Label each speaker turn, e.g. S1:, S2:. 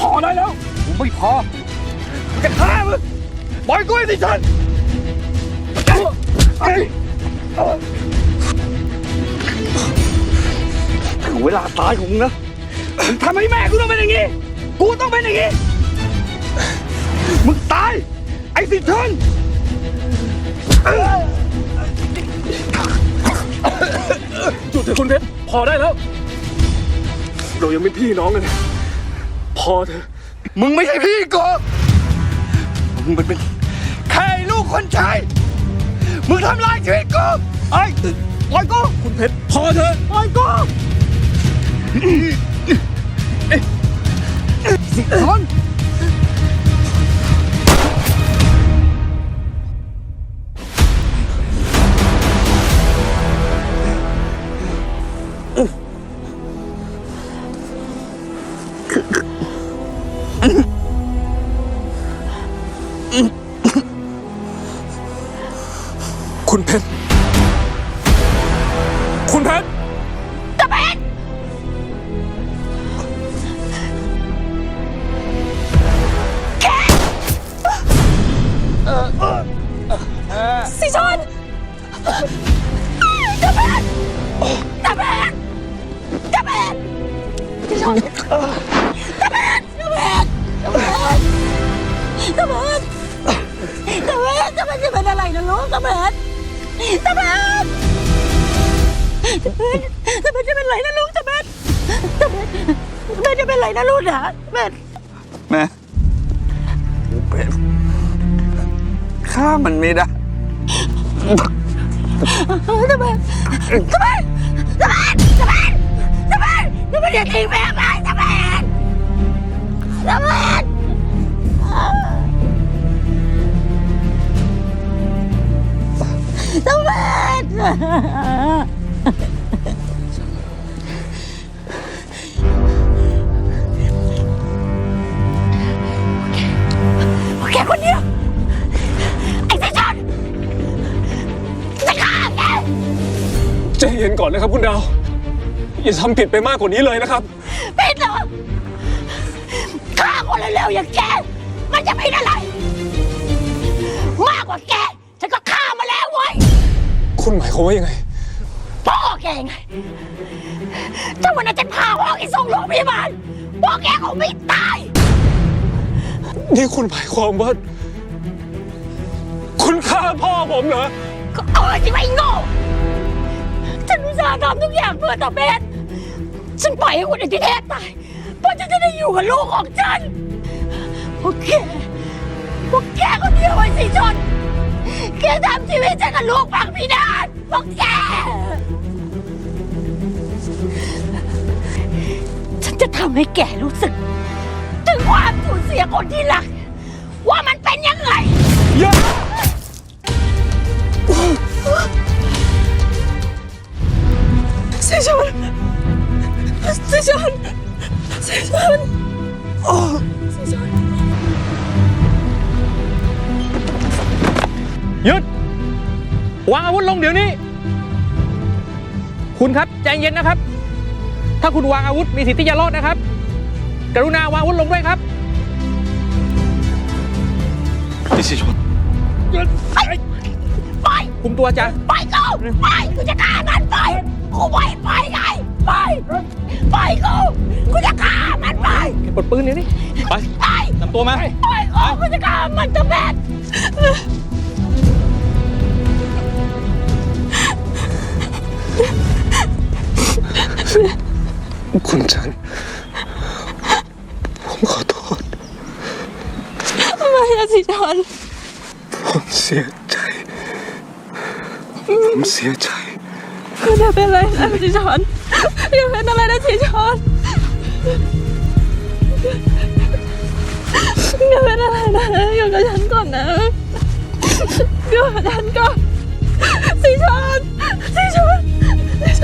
S1: อได้แล้วกูไม่พอกูจะฆ่ามึงปล่อยกูให้สิฉันถึงเวลาตายของมึงนะมึงทำให้แม่กูต้องเป็นอย่างนี้กูต้องเป็นอย่างนี้มึงตายไอ้สิฉันหยุดเถอะคุณเพชรพอได้แล้วเรายังเป็นพี่น้องกันพอเถอะมึงไม่ใช่พี่กูมึงเป็นแค่ลูกคนชายมึงทำลายชีวิตกูไอ้ปล่อยกูคุณเพชรพอเถอะปล่อยกูสิทนคุณเพชรคุณเพชรตะเพชรสิชนตะเพชรตะเพชรตะเพชรสิชนตะเพชรตะเพชรตะเพชรตะเพชรตะเพชรตะเพชรจะเป็นอะไรนะลูกตะเพชรตะเพชรตะเพชรตะเพชรจะเป็นไรนะลูกตะเพชรตะเพชรตะเพชรจะเป็นไรนะลูกนะตะเพชรแม่เป็นฆ่ามันไม่ได้ตะเพชรตะเพชรตะเพชรตะเพชรตะเพชรตะเพชรอย่าทิ้งแม่ไปตะเพชรตะเพชรตะเพชรแกคนเดียวไอ้สิชนจะฆ่าแกใจเย็นก่อนนะครับคุณดาวอย่าทำผิดไปมากกว่านี้เลยนะครับผิดเหรอฆ่าคนเร็วๆอย่างแกมันจะผิดอะไรมากกว่าแกฉันก็ฆ่ามาแล้วเว้ยคุณหมายความว่ายังไงพ่อแกไงถ้าวันนั้นฉันพาพ่อแกส่งโรงพยาบาลพ่อแกคงไม่ตายนี่คุณหมายความว่าคุณฆ่าพ่อผมเหรอก็สิไม่โง่ฉันอุตส่าห์ทำทุกอย่างเพื่อตาเบสฉันปล่อยให้คุณไอ้ที่แท้ตายเพราะฉันจะได้อยู่กับลูกของฉันพวกแกคนเดียวไอ้สิชนแกทำชีวิตฉันกับลูกพังพินาศพวกแกฉันจะทำให้แกรู้สึกถึงความสูญเสียคนที่รักว่ามันเป็นยังไงสิชนสิชนสิชนสิชน
S2: หยุดวางอาวุธลงเดี๋ยวนี้คุณครับใจเย็นนะครับถ้าคุณวางอาวุธมีสิทธิ์ที่จะรอดนะครับกรุณาวางอาวุธลงด้วยครับ
S1: พี่สิชน
S2: ไปคุมตัวจ้ะ
S1: ไปกูจะฆ่ามันไปกูไปไงไปกูจะฆ่ามันไป
S2: ปลดปืนเดี๋ยวนี้ไปนำตัวมา
S1: กูจะฆ่ามันตะแบกคุณจันผมขอโทษ
S3: ไม่นะสิชน
S1: ผมเสียใจ
S3: อย่าเป็นอะไรนะสิชนอย่าเป็นอะไรนะสิชนอย่าเป็นอะไรนะอยู่กับฉันก่อนนะอยู่กับฉันก่อนสิชน